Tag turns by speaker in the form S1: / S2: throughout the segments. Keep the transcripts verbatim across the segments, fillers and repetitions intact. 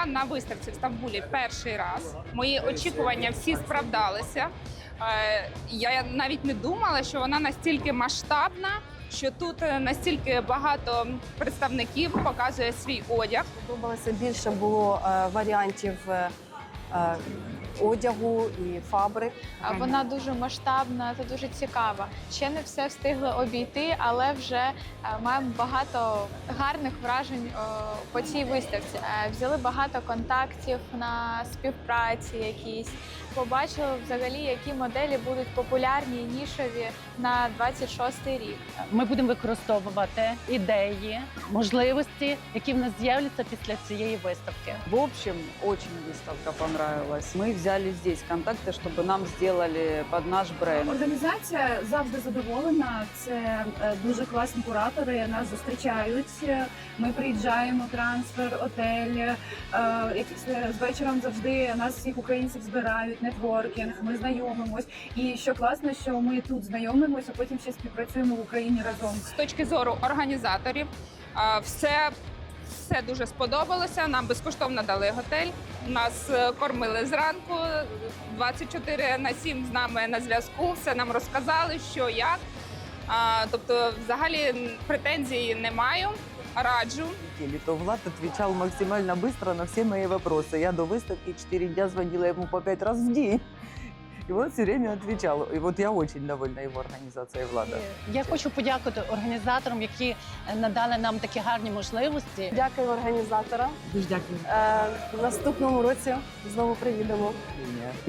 S1: Я на виставці в Стамбулі перший раз. Мої очікування всі справдалися. Е, Я навіть не думала, що вона настільки масштабна, що тут настільки багато представників показує свій одяг.
S2: Подобалося більше було е, варіантів е, е, одягу і фабрик.
S3: А Вона дуже масштабна та дуже цікава. Ще не все встигли обійти, але вже е, маємо багато гарних вражень е, по цій виставці. Е, Взяли багато контактів на співпраці якісь. Побачили взагалі, які моделі будуть популярні і нішові на двадцять шостий рік.
S4: Ми будемо використовувати ідеї, можливості, які в нас з'являться після цієї виставки.
S5: В общем, очень выставка понравилась. Мы взяли здесь контакты, чтобы нам сделали под наш бренд.
S6: Організація завжди задоволена. Це е, дуже класні куратори. Нас зустрічають. Ми приїжджаємо, трансфер, отель. Е, якісь е, з вечором завжди нас всіх українців збирають. Нетворкінг. Ми знайомимось. І що класно, що ми тут знайомимося, а потім ще співпрацюємо в Україні разом.
S1: З точки зору організаторів, е, все, все дуже сподобалося. Нам безкоштовно дали готель. Нас е, кормили зранку, двадцять чотири на сім з нами на зв'язку. Все нам розказали, що як. А, тобто, взагалі претензій не маю. Раджу.
S7: То Влад отвечал максимально быстро на все мои вопросы. Я до выставки четыре дня звонила ему по пять раз в день. И он все время отвечал. И вот я очень довольна его организацией, Влада.
S4: Я хочу подякувати організаторам, які надали нам такі гарні можливості.
S2: Дякую організаторам.
S7: Дуже дякую.
S2: Е, в наступному році знову приїдемо.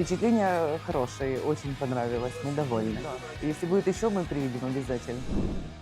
S7: Впечатления хорошие, очень понравилось, мы довольны. Если будет еще, мы приедем обязательно.